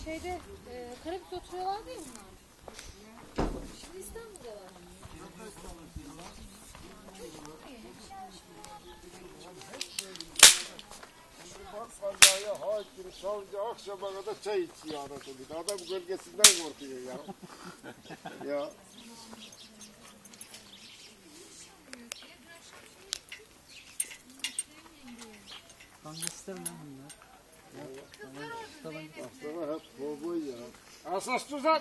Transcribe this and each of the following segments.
şeyde Karabük'te oturuyorlardı ya bunlar. Şimdi İstanbul'dalar. Bak kazaya hakim, savcı akşama kadar çay içiyor arada bir de. Adam gölgesinden korkuyor ya. Ya. Gangster mi bunlar? Baksana hep kovboy ya. Asas tuzak.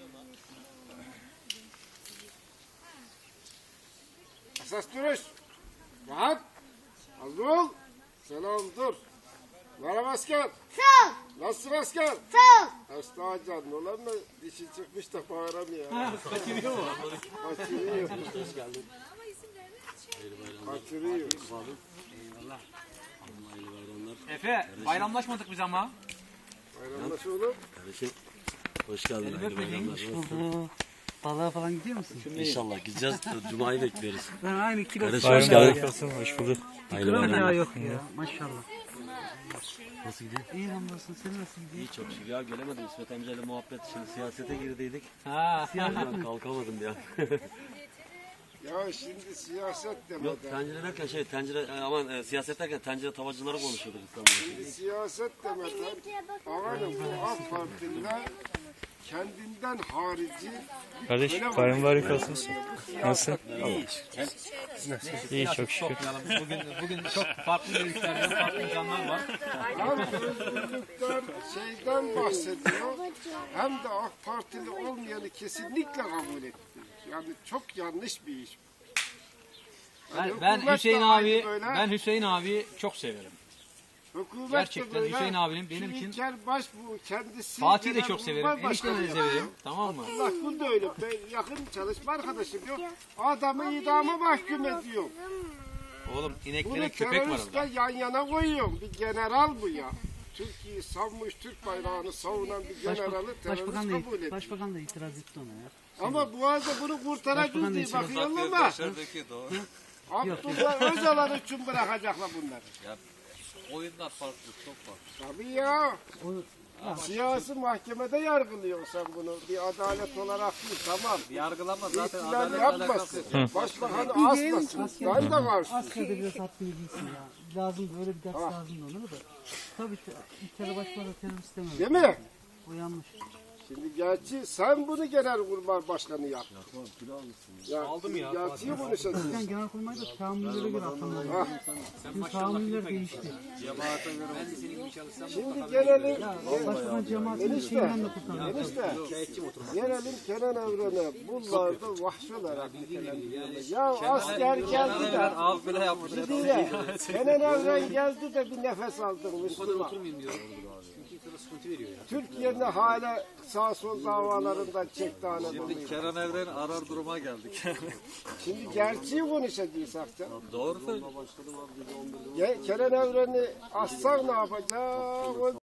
Asas duruş. Rahat. Hazır ol. Selam dur. Merhaba asker. Sağ ol. Nasılsın asker? Sağ ol. Hasta canın olan da dişi çıkmış da bağıramıyor. Kaçırıyor mu? Kaçırıyor. Hoş geldin. Kaçırıyor. Eyvallah. Efe, bayramlaşmadık biz ama. Bayramlaş oğlum. Kardeşim hoş geldin. Hayırlı bayramlar. Balığa falan gidiyor musun? İnşallah gideceğiz. Cuma'yı bekliyoruz. Ben aynı kilo. Kardeşim hoş geldin. Hoş bulduk. Hayırlı Kilo ya bayramlar. yok ya. Maşallah. Nasıl gidiyor? İyi hamdolsun. Sen nasıl gidiyor? İyi çok şükür. Ya gelemedim. İsmet amcayla muhabbet. Şimdi siyasete girdiydik. Ha. Ben kalkamadım ya. Ya şimdi siyaset Yok demeden. tencere derken siyaset derken tencere tavacıları konuşuyorduk İstanbul'da. Şimdi siyaset demeden. Amanın bu AK Parti'nden kendinden harici. Kardeş Öyle bayram var. mübarek olsun. Nasılsın? İyi. İyi çok şükür. Bugün çok farklı görüşlerden farklı insanlar var. Hem özgürlükten şeyden bahsediyor. Hem de AK Partili olmayanı kesinlikle kabul etmiyor. Yani çok yanlış bir iş. Yani Ben hükümet Hüseyin de abi, aynı böyle. ben Hüseyin abi çok severim. Hükümet de Gerçekten böyle. Hüseyin abinin benim Şu için- İlker Başbuğ kendisi. Fatih'i de genel çok severim. kurmay Eniştemi de başkanı severim. yapıyor. Tamam mı? Bak bu da öyle. Ben yakın çalışma arkadaşım yok. Adamı idama mahkum ediyor. Oğlum Bunu ineklere köpek var teröristle orada. yan yana koyuyorum. Bir general bu ya. Türkiye'yi savunmuş, Türk bayrağını savunan bir generalı terörist kabul ediyor. Başbakan da itiraz etti ona ya. Ama bu arada bunu kurtaracağız Başbakan diye da bakıyorum ama Abdullah Öcalan için bırakacaklar bunları. Oyunlar farklı, çok farklı. Tabii ya. Siyasi mahkemede yargılıyorsun sen bunu. Bir adalet olarak değil, tamam. Yargılama zaten İhtilal adalet alakası yapmasın. yok. Başbakanı asmasın. Ben de karşıyım. Askerde biraz haddini bilsin ya. Lazım böyle bir ders lazım da onu da. Tabii ki İlker Başkan'a terörist istemem. Değil mi? O yanlış. Şimdi gerçi sen bunu genelkurmay başkanı yap. Ya, aldım ya. Gerçeği konuşacağız. Sen genelkurmayda tahammüllere göre atanlar. Şimdi tahammüller değişti. Şimdi gelelim. Başbakan cemaatinin şeyinden de kurtarıyor. Enişte. Gelelim Kenan Evren'e. Bunlar da vahşi olarak nitelendiriyorlar. Ya asker geldi de. Ağız bile yapmış. Gidiyle. Kenan Evren geldi de bir nefes aldın Müslüman. Türkiye'nin hala sağ sol davalarından çekti anadolu'yu. Kenan Evren arar duruma geldik. Şimdi gerçeği konuşacaksak da. Doğru söylüyorsun. Kenan Evren'i assak ne yapacak?